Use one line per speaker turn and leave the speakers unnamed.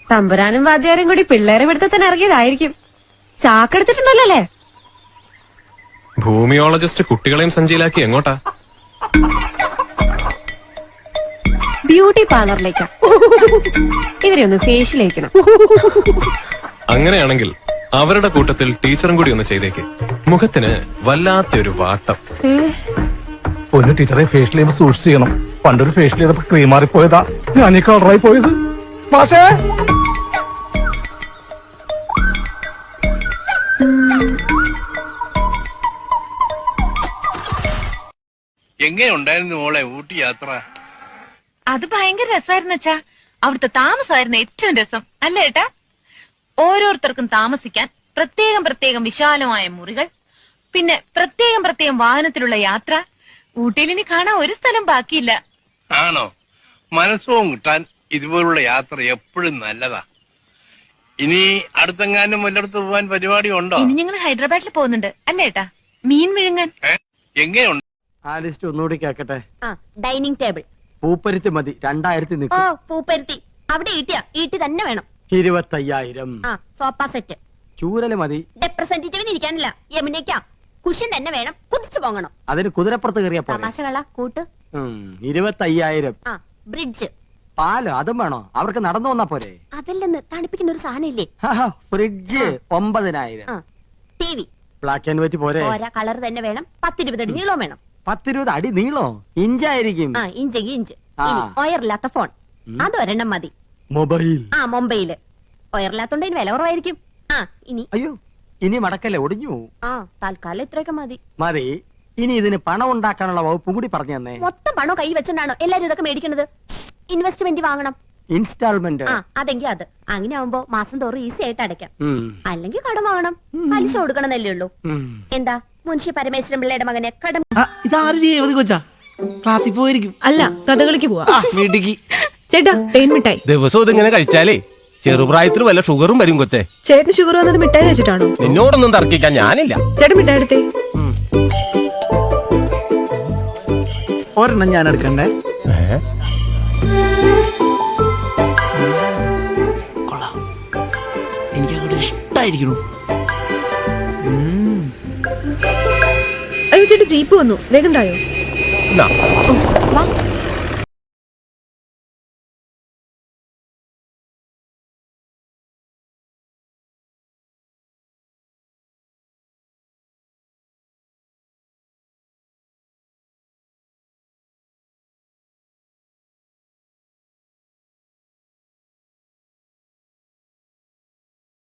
തമ്പുരാനും വാദ്യാരും കൂടി പിള്ളേരെ പിടുത്തത്തിന് ഇറങ്ങിയതായിരിക്കും. ചാക്കെടുത്തിട്ടുണ്ടല്ലോ അല്ലേ?
ഭൂമിയോളജിസ്റ്റ് കുട്ടികളെയും സഞ്ചിയിലാക്കി എങ്ങോട്ടാ?
ബ്യൂട്ടി പാർലറിലേക്കാ. ഇവരെ ഒന്ന് ഫേഷ്യലേക്കണം.
അങ്ങനെയാണെങ്കിൽ അവരുടെ കൂട്ടത്തിൽ ടീച്ചറും കൂടി ഒന്ന് ചെയ്തേക്ക്. മുഖത്തിന് വല്ലാത്തൊരു വാട്ടം.
പൊന്നു ടീച്ചറെ, ഫേഷ്യൽ ചെയ്യുമ്പോൾ സൂക്ഷിച്ച് ചെയ്യണം. പണ്ടൊരു ഫേഷ്യൽ ചെയ്തപ്പോ ക്രീം മാറിപ്പോയതാ, ഞാൻ ഈ കളറായി പോയത്. മാഷേ,
എങ്ങനെയുണ്ടായിരുന്നു മോളെ ഊട്ടി യാത്ര?
അത് ഭയങ്കര രസമായിരുന്നു അച്ഛാ. അവിടുത്തെ താമസമായിരുന്നു ഏറ്റവും രസം, അല്ലേ ഏട്ടാ? ഓരോരുത്തർക്കും താമസിക്കാൻ പ്രത്യേകം പ്രത്യേകം വിശാലമായ മുറികൾ, പിന്നെ പ്രത്യേകം പ്രത്യേകം വാഹനത്തിലുള്ള യാത്ര. ഊട്ടിയിൽ ഇനി കാണാൻ ഒരു സ്ഥലം ബാക്കിയില്ല.
ആണോ? മനസ്സും കിട്ടാൻ ഇതുപോലുള്ള യാത്ര എപ്പോഴും നല്ലതാ. ഇനി അടുത്തെങ്ങാനും വല്ലയിടത്ത് പോവാൻ പരിപാടി ഉണ്ടോ?
ഇനി ഞങ്ങൾ ഹൈദരാബാദിൽ പോകുന്നുണ്ട്, അല്ലേ ഏട്ടാ? മീൻ വിഴുങ്ങാൻ.
എങ്ങനെയുണ്ട്?
ആ ലിസ്റ്റ് ഒന്നുകൂടി കേക്കട്ടെ.
ഡൈനിങ് ടേബിൾ
പൂപ്പരുത്തി മതി, 2000
ഓ
നിൽക്കും.
പൂപ്പരുത്തി അവിടെ ഈട്ടി തന്നെ വേണം.
25,000.
Sofa set.
ചൂരല് മതി.
റെപ്രസെന്റേറ്റീവിന് ഇരിക്കാനില്ല, യമുനയ്ക്കാ. കുഷ്യൻ തന്നെ വേണം, കുതിച്ചു പോകണം.
അതിന് കുതിരപ്പുറത്ത് കയറിയ പോലെ.
തമാശകള കൂട്ട്.
25,000.
ബ്രിഡ്ജ്.
പാലോ അതും വേണോ? അവർക്ക് നടന്നു വന്നാ പോരെ?
അതല്ലെന്ന് തണുപ്പിക്കുന്ന ഒരു സാധനം ഇല്ലേ?
Fridge 9,000.
T V.
Black and white പോരെ?
ഓരോ കളർ തന്നെ വേണം. 10-20 അടി നീളം വേണം.
10-20 അടി നീളോ? ഇഞ്ചായിരിക്കും.
ഇഞ്ചെങ്കിൽ ഇഞ്ച്. ഒയറില്ലാത്ത ഫോൺ, അതൊരെണ്ണം മതി.
മൊബൈൽ.
മൊബൈല്. ഒയറില്ലാത്തോണ്ട് ഇതിന് വില കുറവായിരിക്കും. ഇനി
അയ്യോ, ഇനി മടക്കല്ലേ, ഒടിഞ്ഞു.
തൽക്കാലം ഇത്രയൊക്കെ മതി.
മതി. ഇനി ഇതിന് പണം ഉണ്ടാക്കാനുള്ള വകുപ്പും കൂടി പറഞ്ഞു തന്നെ.
മൊത്തം പണം കൈ വെച്ചോണ്ടാണോ എല്ലാരും ഇതൊക്കെ മേടിക്കുന്നത്? ഇൻവെസ്റ്റ്മെന്റ് വാങ്ങണം.
ഇൻസ്റ്റാൾമെന്റ്.
അതെങ്കിൽ അത് അങ്ങനെ ആവുമ്പോ മാസം തോറും ഈസി ആയിട്ട് അടയ്ക്കാം. അല്ലെങ്കിൽ കടം വാങ്ങണം, പലിശ കൊടുക്കണമെന്നല്ലേ ഉള്ളൂ. എന്താ മുൻഷി പരമേശ്വരൻ പിള്ളയുടെ മകനെ കടം?
ഇതാരും കൊച്ചാ ക്ലാസ്സിൽ പോയിരിക്കും.
അല്ല, കഥകളിക്ക് പോവാ.
മിടുക്കി.
ചേട്ടാ, തേൻ മിഠായി.
ദിവസവും ഇതിങ്ങനെ കഴിച്ചാലേ ചെറുപ്രായത്തിൽ വല്ല ഷുഗറും വരും കൊച്ചേ.
ചേട്ടന് ഷുഗർ വന്നത് മിഠായി വെച്ചിട്ടാണോ?
നിന്നോടൊന്നും തർക്കിക്കാൻ ഞാനില്ല.
ചേട്ടൻ മിഠായി എടുത്തേ.
ഒരെണ്ണം ഞാൻ എടുക്കണ്ടേ? കൊള്ളാം, എനിക്കങ്ങോട്ട് ഇഷ്ടായിരിക്കണു.
അയ്യോ ചേട്ടാ, ജീപ്പ് വന്നു, വേഗം തായോ.
എന്നാ.
വാ.